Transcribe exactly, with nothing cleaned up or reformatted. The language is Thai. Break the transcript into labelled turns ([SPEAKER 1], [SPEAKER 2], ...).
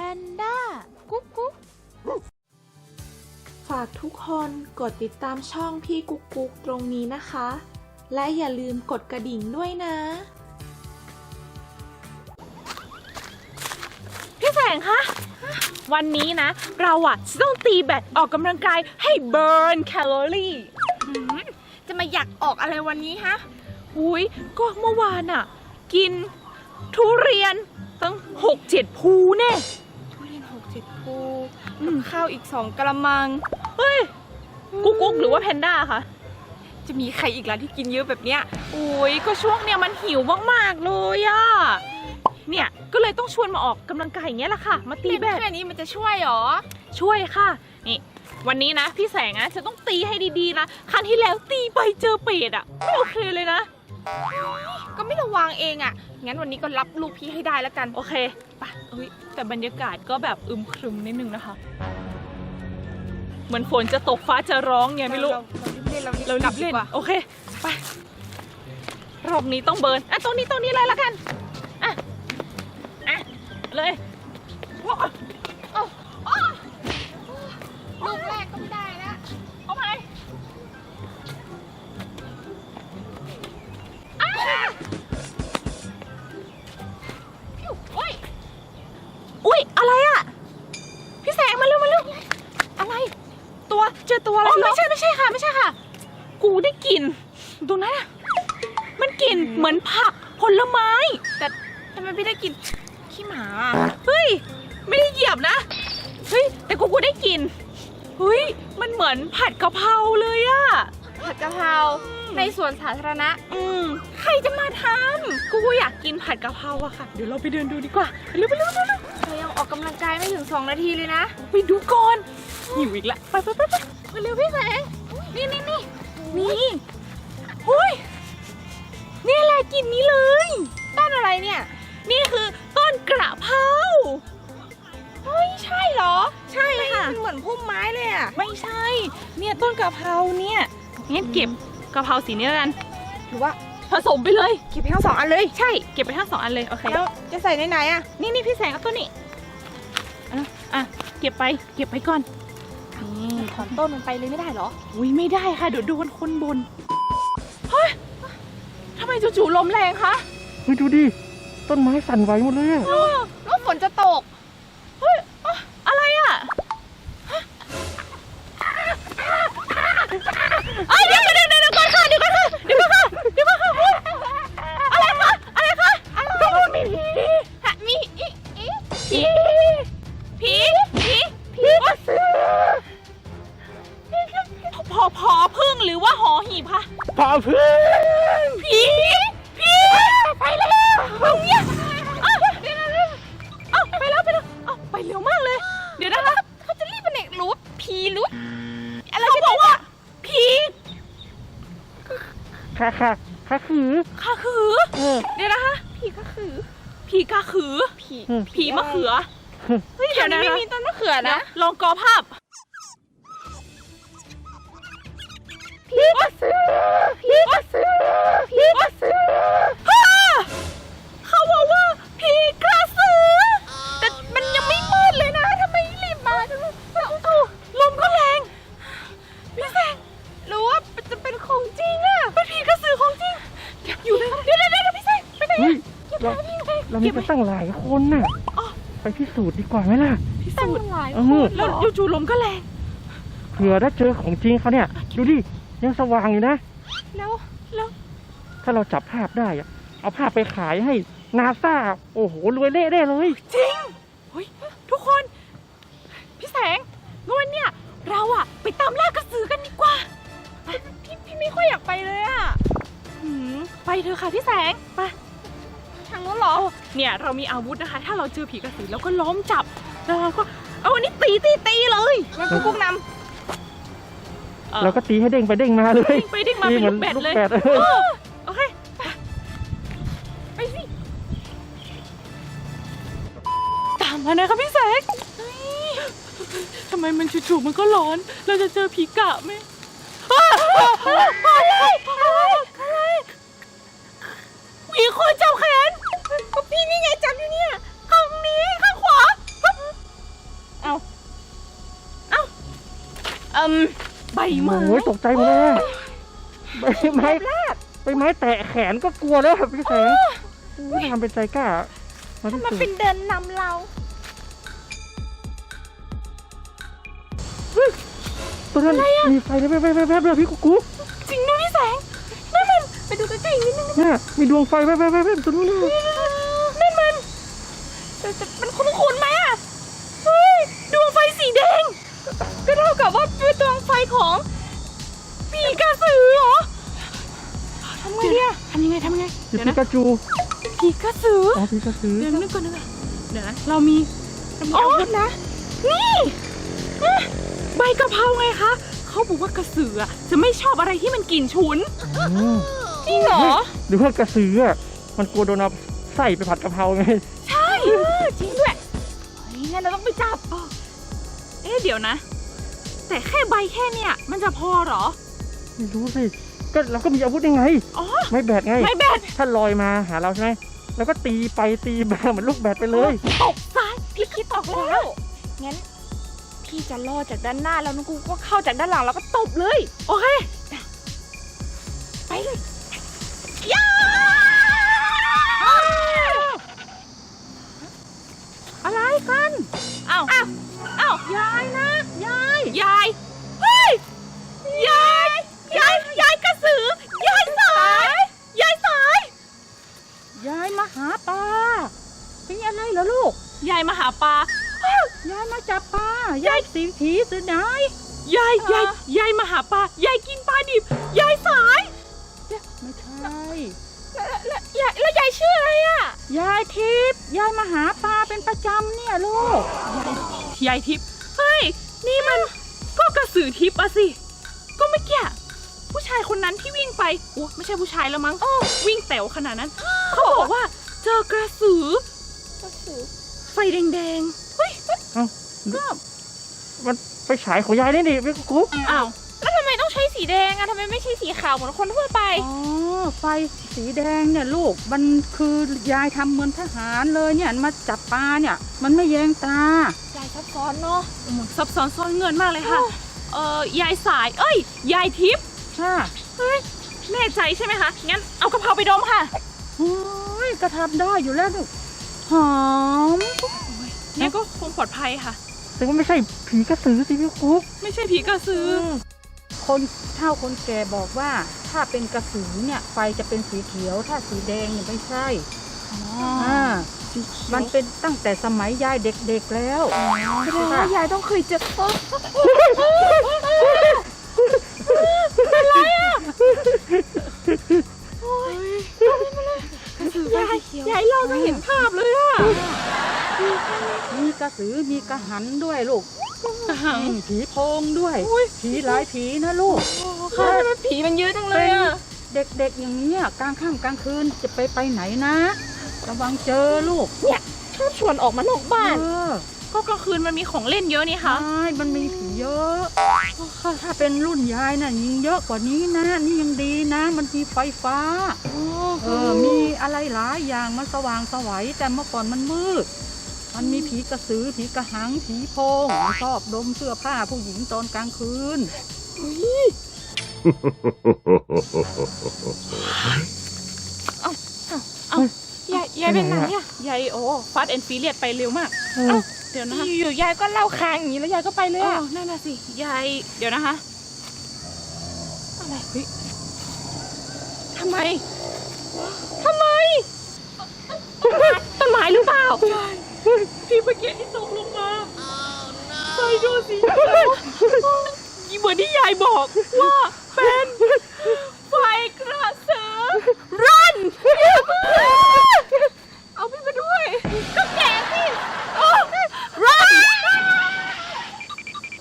[SPEAKER 1] นด้ากุ๊กกุ๊ก
[SPEAKER 2] ฝากทุกคนกดติดตามช่องพี่กุ๊กกุ๊กตรงนี้นะคะ และอย่าลืมกดกระดิ่งด้วยนะ
[SPEAKER 1] พี่แสงคะวันนี้นะเราอะจะต้องตีแบดออกกำลังกายให้เบิร์นแคลอรี่จะมาอยากออกอะไรวันนี้ฮะหุยก็เมื่อวานอะกินทุเรียนตั้งหกเจ็ดภูแน่
[SPEAKER 3] ทุเรียนหกเจ็ดภูกับข้าวอีกสองกะละมัง
[SPEAKER 1] เฮ้ยกุ๊กกุ๊กหรือว่าแพนด้าคะ
[SPEAKER 3] จะมีใครอีกล่ะที่กินเยอะแบบเนี้ย
[SPEAKER 1] โอ้ยก็ช่วงเนี้ยมันหิวมากๆเลยอะเนี่ยก็เลยต้องชวนมาออกกำลังกายอย่างเงี้ยแหละค่ะมาตีแบด
[SPEAKER 3] แค่นี้มันจะช่วยหรอ
[SPEAKER 1] ช่วยค่ะนี่วันนี้นะพี่แสงนะจะต้องตีให้ดีๆนะครั้งที่แล้วตีไปเจอเป็ดอะไม่โอเคเลยนะ
[SPEAKER 3] ก็ไม่ระวังเองอะงั้นวันนี้ก็รับลูกพี่ให้ได้แล้วกัน
[SPEAKER 1] โอเคไปเฮ้ยแต่บรรยากาศก็แบบอึมครึมนิดนึงนะคะเหมือนฝนจะตกฟ้าจะร้องไงไม่รู้
[SPEAKER 3] เราเรารีบเล่น
[SPEAKER 1] โอเคไปรอบนี้ต้องเบิร์นอ่ะตรงนี้ตรงนี้เลยละกันอ่ะอ่ะเลย
[SPEAKER 3] ลูกแรกก็ไม่ได้แล้ว
[SPEAKER 1] เอาไปอุ้ยอุ้ยอะไรอ่ะพี่แสงมาเร็วมาเร็วอะไรตัวเจอตัวอะไรไม่ใช่ไม่ใช่ค่ะไม่ใช่ค่ะกูได้กลิ่นตรงนั้นอ่ะมันกลิ่นเหมือนผักผลไม้
[SPEAKER 3] แต่ทำไมพี่ได้กลิ่นขี้หมา
[SPEAKER 1] เฮ้ยไม่ได้เหยียบนะเฮ้ยแต่กูกูได้กลิ่นเฮ้ยมันเหมือนผัดกะเพราเลยอะ
[SPEAKER 3] ผัดกะเพราในสวนสาธารณะ
[SPEAKER 1] อืมใครจะมาทำกูกูอยากกินผัดกะเพราอะค่ะเดี๋ยวเราไปเดินดูดีกว่าไปเร็วไปเร็วไปเร็ว
[SPEAKER 3] เรายังออกกำลังกายไม่ถึงสองนาทีเลยนะ
[SPEAKER 1] ไปดูก่อนหิวอีกละไปไปไปไปไปเร็วพี่แสงนี่นี่นี่นี่เฮ้ยนี่แหละกลิ่นนี้เลย
[SPEAKER 3] ต้นอะไรเนี่ย
[SPEAKER 1] นี่คือต้นกระเพรา
[SPEAKER 3] เฮ้ยใช่เหรอ
[SPEAKER 1] ใช่ค่ะ
[SPEAKER 3] มันเหมือนพุ่มไม้เลยอ่ะ
[SPEAKER 1] ไม่ใช่เนี่ยต้นกระเพราเนี่ยงั้นเก็บกระเพราสีนี้แล้วกัน
[SPEAKER 3] หรือว่า
[SPEAKER 1] ผสมไปเลย
[SPEAKER 3] เก็บไปทั้งสองอันเลย
[SPEAKER 1] ใช่เก็บไปทั้งสองอันเลยโอเค
[SPEAKER 3] แล้วจะใส่ในไหนอ่ะ
[SPEAKER 1] นี่นี่พี่แสงเอาต้นนี้อ่ะอ่ะเก็บไปเก็บไปก่อน
[SPEAKER 3] นี่ถอนต้นมันไปเลยไม่ได้เหรอ
[SPEAKER 1] อุ้ยไม่ได้ค่ะเดี๋ยวโดนคนบนเฮ้ยทำไมจู่ๆลมแรงคะ
[SPEAKER 4] เฮ้ยดูดิต้นไม้สั่นไหวหมดเลยอะ
[SPEAKER 3] แล้วฝนจะตก
[SPEAKER 1] เฮ้ยอะไรอ่ะเอ้ยเดี๋ยวเดี๋ยวเดี๋ยวก่อนค่ะเดี๋ยวก่อนค่ะเดี๋ยวก่อนค่ะเดี๋ยวก่อนค่ะอะไรคะอะไรคะตรงนู้นมีผี
[SPEAKER 3] มีอีอี
[SPEAKER 1] ผีผีผีผีพอพอพึ่งหรือว่าหอหีบคะ
[SPEAKER 4] พอพึ่ง
[SPEAKER 1] ผีผีไปแล้วเนี่ยเอาไปแล้วไปแล้วเอาไปเร็วมากเลยเดี๋ยวนะคะ
[SPEAKER 3] เขาจะรีบไปไหนรูดผีรูด
[SPEAKER 1] อะไรเขาบอกว่าผี
[SPEAKER 4] ค่ะค่ะค่ะคือ
[SPEAKER 1] ค่ะคือเดี๋ยวนะคะ
[SPEAKER 3] ผีก็คือ
[SPEAKER 1] ผีกะขือ
[SPEAKER 3] ผี
[SPEAKER 1] ผีมะเขือ
[SPEAKER 3] เฮ้ยเดี๋ยวนี้ไม่มีต้นมะเขือนะ
[SPEAKER 1] ลองกอภาพ
[SPEAKER 3] ผีกระสือผีกระสือผีกระสือ
[SPEAKER 1] เขาบอกว่าผีกระสือแต่มันยังไม่มืดเลยนะทำไมรีบมาจังเลยลมก็แรงพี่แสง
[SPEAKER 3] รู้ว่าจะเป็นของจริงอะ
[SPEAKER 1] เป็นผีกระสือของจริงอยู่เลยเดี๋ยวเดี๋ยวเดี๋ยวพี่แสงไปไหนอะ
[SPEAKER 4] เราเรามีไปตั้งหลายคนน่ะไปพิสูจน์ดีกว่าไหมล่ะ
[SPEAKER 1] พิสูจน์แล้วจู่ๆลมก็แรง
[SPEAKER 4] เผื่อถ้าเจอของจริงเขาเนี่ยดูดิยังสว่างอยู่นะ
[SPEAKER 1] แล้วแล้ว
[SPEAKER 4] ถ้าเราจับภาพได้อะเอาภาพไปขายให้นาซาโอ้โหรวยเละได้เลย
[SPEAKER 1] จริงเฮ้ยทุกคนพี่แสงงั้นเนี่ยเราอะไปตามล่ากระสือกันดีกว่า
[SPEAKER 3] พี่พี่ไม่ค่อยอยากไปเลยอะ
[SPEAKER 1] ไปเถอะค่ะพี่แสงไป
[SPEAKER 3] ทางนู้นเหรอ
[SPEAKER 1] เนี่ยเรามีอาวุธนะคะถ้าเราเจอผีกระสือเราก็ล้อมจับแล้วเราก็เอาวันนี้ตีตีตีเลย
[SPEAKER 3] งั้นกุ๊กกุ๊กนำ
[SPEAKER 4] เราก็ตีให้เด้งไปเด้งมาเลย
[SPEAKER 1] ไปเด้งมาเป็นลูกแบดเลยโอเคไปสิตามมานะครับพี่แสงทำไมมันจู่ๆมันก็ร้อนเราจะเจอผีกะไหมอะไรอะไรอะไรมีคนจับแขนก็พี่นี่ไงจับอยู่เนี่ยข้างนี้ข้างขวาอืมใบไม้
[SPEAKER 4] โอ้ยตกใจหมดเลยใบไม้ใบไม้แตะแขนก็กลัวแล้วพี่แสงโอ้ยทำเป็นใจกล้ามาที่
[SPEAKER 1] มา
[SPEAKER 4] สุด
[SPEAKER 1] เป็นเดินนำเรา
[SPEAKER 4] ตัวนั้นมีไฟแวบๆๆๆเลยพี่กุ๊กกุ๊ก
[SPEAKER 1] จริงด้วยพี่แสงนั่นมันไปดูใกล้ๆอีกนิดนึง
[SPEAKER 4] เนี่ยมีดวงไฟแวบๆๆตัวนู้นเลย
[SPEAKER 1] นั่นมันแต่แต่มันคุ้นๆไหมอ่ะเฮ้ยดวงไฟสีแดงก็เท่ากับว่าเป็นดวงไฟของผีกระสือเหรอทำไงเนี่ยทำยังไงทำยังไง
[SPEAKER 4] หยิบ
[SPEAKER 1] เดี๋ยว
[SPEAKER 4] ปิ
[SPEAKER 1] นะ
[SPEAKER 4] กาจู
[SPEAKER 1] ผีกระสือ
[SPEAKER 4] อ๋อพี่กระสือ
[SPEAKER 1] เดี๋ยวนึกก่อนนึกก่อนเดี๋ยวนะเรามีเรามีอาวุธนะนี่อ่ะใบกะเพราไงคะเขาบอกว่ากระสืออะจะไม่ชอบอะไรที่มันกลิ่นฉุน
[SPEAKER 4] อืม
[SPEAKER 1] จริงเหรอ
[SPEAKER 4] หรือว่ากระสืออ่ะมันกลัวโดนเอาใส่ไปผัดกะเพราไง
[SPEAKER 1] ใช่จริงด้วยเฮ้ยงั้นเราต้องไปจับเอ๊ะเดี๋ยวนะ แต่แค่ใบแค่เนี่ยมันจะพอเหรอ
[SPEAKER 4] ไม่รู้สิก็เราก็มีอาวุธยังไง
[SPEAKER 1] อ๋อ
[SPEAKER 4] ไม่แบดไง
[SPEAKER 1] ไม่แบด
[SPEAKER 4] ถ้าลอยมาหาเราใช่ไหมแล้วก็ตีไปตีมาเหมือนลูกแบดไปเลย
[SPEAKER 1] ตกซ้ายพี่คิดออกแล้ว งั้นพี่จะล่อจากด้านหน้าแล้วน้องกูก็เข้าจากด้านหลังแล้วก็ตบเลย โอเค ไปเลยย่าอะไรกันอ้าวอ้าวอ้าวยายนะ ยาย ยาย เฮ้ย ยาย ยาย ยายกระสือ ยายสาย ยายสาย
[SPEAKER 3] ยายมาหาปลาเป็นอะไรเหรอลูก
[SPEAKER 1] ยายมาหาปลา
[SPEAKER 3] ยายมาจับปลายายสีผีสือไหน
[SPEAKER 1] ยาย ยาย ยายมาหาปลา ยายกินปลาดิบ ยายสาย
[SPEAKER 3] ไม่ใช่
[SPEAKER 1] แล้วยายแล้วยายชื่ออะไรอ่ะ
[SPEAKER 3] ยายทิพย์ยายมาหาปลาเป็นประจำเนี่ยลูก
[SPEAKER 1] ยายทิพย์ เฮ้ย นี่มันก็กระสือทิพย์อะสิ ก็เมื่อกี้ผู้ชายคนนั้นที่วิ่งไปโอ้ไม่ใช่ผู้ชายแล้วมั้งวิ่งแต๋วขนาดนั้น เขาบอกว่าเจอกระสือ ไฟแดงๆ เฮ้ย
[SPEAKER 4] เอ้ามันไปฉายของยายนี่ดิพี่กุ๊ก
[SPEAKER 1] อ้าว แล้วทำไมต้องใช้สีแดงอะทำไมไม่ใช่สีขาวเหมือนคนทั่วไป
[SPEAKER 3] อ๋อไฟสีแดงเนี่ยลูกมันคือยายทำเหมือนทหารเลยเนี่ยมาจับปลาเนี่ยมันไม่แยงตา
[SPEAKER 1] ยายซับซ้อนเนาะซับซ้อนซ่อนเงินมากเลยค่ะ เอ่อยายสาย เอ้ย ยายทิพย์
[SPEAKER 3] ค่ะ
[SPEAKER 1] เฮ้ย แน่ใจใช่ไหมคะ งั้นเอากะเพราไปดมค่ะ
[SPEAKER 3] โอ้ยก็ทำได้อยู่แล้วลูกหอม
[SPEAKER 1] งั้นก็คงปลอดภัยค่ะ
[SPEAKER 4] แต่ว่าไม่ใช่ผีกระสือสิพี่กุ๊ก
[SPEAKER 1] ไม่ใช่ผีกระสือ
[SPEAKER 3] คนเฒ่าคนแก่บอกว่าถ้าเป็นกระสือเนี่ยไฟจะเป็นสีเขียว ถ้าสีแดงเนี่ยไม่ใช่อ่ามันเป็นตั้งแต่สมัยยายเด็กๆแล้ว
[SPEAKER 1] แสดงว่ายายต้องเคยเจอเป็นไรอ่ะโอ้ยกระสือยายยายเราจะเห็นภาพเลยอ่ะ
[SPEAKER 3] มีกระสือมีกระหันด้วยลูก
[SPEAKER 1] กระหัง
[SPEAKER 3] อืมผีโพงด้วย
[SPEAKER 1] อุ๊ย
[SPEAKER 3] ผีหลายผีนะลูก
[SPEAKER 1] ค่ะมันผีมันเยอะจังเลยอ่ะ
[SPEAKER 3] เด็กๆอย่างเนี้ยกลางค่ำกลางคืนจะไปไปไหนนะระวังเจอลูก
[SPEAKER 1] เนี่ยชอบชวนออกมานอกบ้าน
[SPEAKER 3] เออ
[SPEAKER 1] ก็กลางคืนมันมีของเล่นเยอะนี่
[SPEAKER 3] ใช่
[SPEAKER 1] คะ
[SPEAKER 3] มันมีผีเยอะถ้าเป็นรุ่นยายน่ะยิงเยอะกว่านี้นะ นี่ยังดีนะ มันมีไฟฟ้า เออ มีอะไรหลายอย่างมันสว่างสวัยแต่เมื่อก่อนมันมืด มันมีผีกระสือ ผีกระหัง ผีโพงมันชอบดมเสื้อผ้าผู้หญิงตอนกลางคืน
[SPEAKER 1] ยายยายเป็นไหนอะยายโอ้ฟาสแอนด์ฟิเลียไปเร็วมาก
[SPEAKER 4] เออ
[SPEAKER 1] เดี๋ยวนะคะ
[SPEAKER 2] อยู่ๆยายก็เล่าค้างอย่างนี้แล้วยายก็ไปเลย
[SPEAKER 1] อ๋อ
[SPEAKER 2] อะ
[SPEAKER 1] นั่นน่ะสิ ยาย เดี๋ยวนะคะ อะไรเฮ้ยทำไม ทำไม ต้นไม้หรือเปล่าพี่เมื่อกี้ที่ตกลงมาไฟดูสิเหมือนที่ยายบอกว่า